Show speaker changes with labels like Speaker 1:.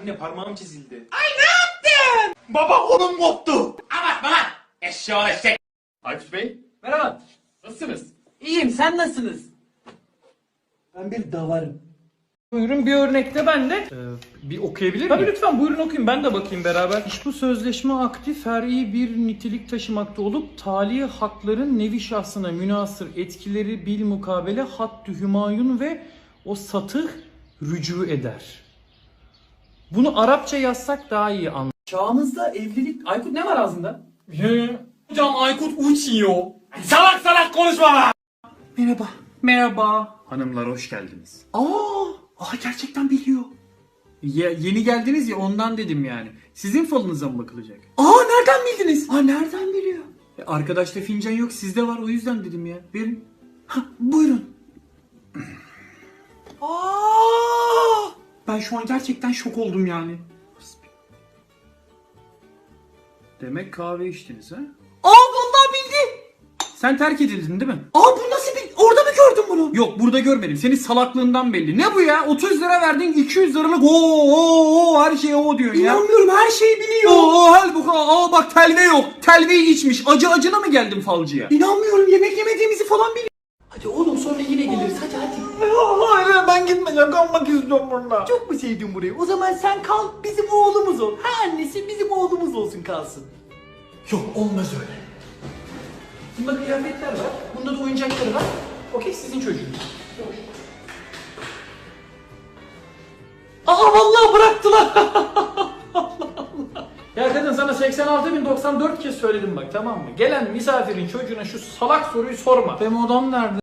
Speaker 1: Anne parmağım çizildi.
Speaker 2: Ay ne yaptın?
Speaker 1: Baba kolum koptu.
Speaker 2: Abartma lan. Eşşoğlu eşek.
Speaker 1: Aykut Bey
Speaker 3: Merhaba.
Speaker 1: nasılsınız?
Speaker 3: İyiyim, sen nasılsınız?
Speaker 4: Ben bir davarım.
Speaker 3: Buyurun bir örnekte ben de.
Speaker 1: Bir okuyabilir miyim?
Speaker 3: Tabii lütfen buyurun okuyun, ben de bakayım beraber. İş bu sözleşme akdi fer'i bir nitelik taşımakta olup tali hakların nevi şahsına münasır etkileri bil mukabele hattü hümayun ve o satıh rücu eder. Bunu Arapça yazsak daha iyi anlar.
Speaker 4: Çağımızda evlilik... Aykut ne var ağzında?
Speaker 1: Hocam Aykut uçuyor. Salak salak konuşma lan.
Speaker 4: Merhaba.
Speaker 3: Merhaba.
Speaker 1: Hanımlar hoş geldiniz.
Speaker 4: Aa gerçekten biliyor.
Speaker 3: Yeni geldiniz ya ondan dedim yani. Sizin falınıza mı bakılacak?
Speaker 4: Nereden bildiniz? Nereden biliyor?
Speaker 3: Arkadaşta fincan yok, sizde var, o yüzden dedim ya. Verin.
Speaker 4: Buyurun. Ben şu an gerçekten şok oldum yani.
Speaker 3: Demek kahve içtiniz ha?
Speaker 4: Vallahi bildi.
Speaker 3: Sen terk edildin değil mi?
Speaker 4: Bu nasıl bir... Orada mı gördün bunu?
Speaker 3: Yok, burada görmedim. Senin salaklığından belli. Ne bu ya? 30 lira verdin, 200 liralık her şey o diyorsun ya.
Speaker 4: İnanmıyorum, her şeyi biliyor.
Speaker 3: Halbuki bak telve yok. Telveyi içmiş. Acına mı geldin falcıya?
Speaker 4: İnanmıyorum, yemek yemediğimizi falan biliyor. Hadi oğlum, sonra yine geliriz, hadi.
Speaker 3: Hayır, ben gitmeyeceğim. Kalmak istiyorum burada.
Speaker 4: Çok mu sevdin burayı? O zaman sen kal, bizim oğlumuz ol. Annesi bizim oğlumuz olsun, kalsın. Yok, olmaz öyle. Bunda kıyafetler var, bunda da oyuncakları var. Okey, sizin çocuğunuz. Vallahi bıraktılar.
Speaker 3: Ya kadın, sana 86.094 kez söyledim bak, tamam mı? Gelen misafirin çocuğuna şu salak soruyu sorma. Benim odam nerede?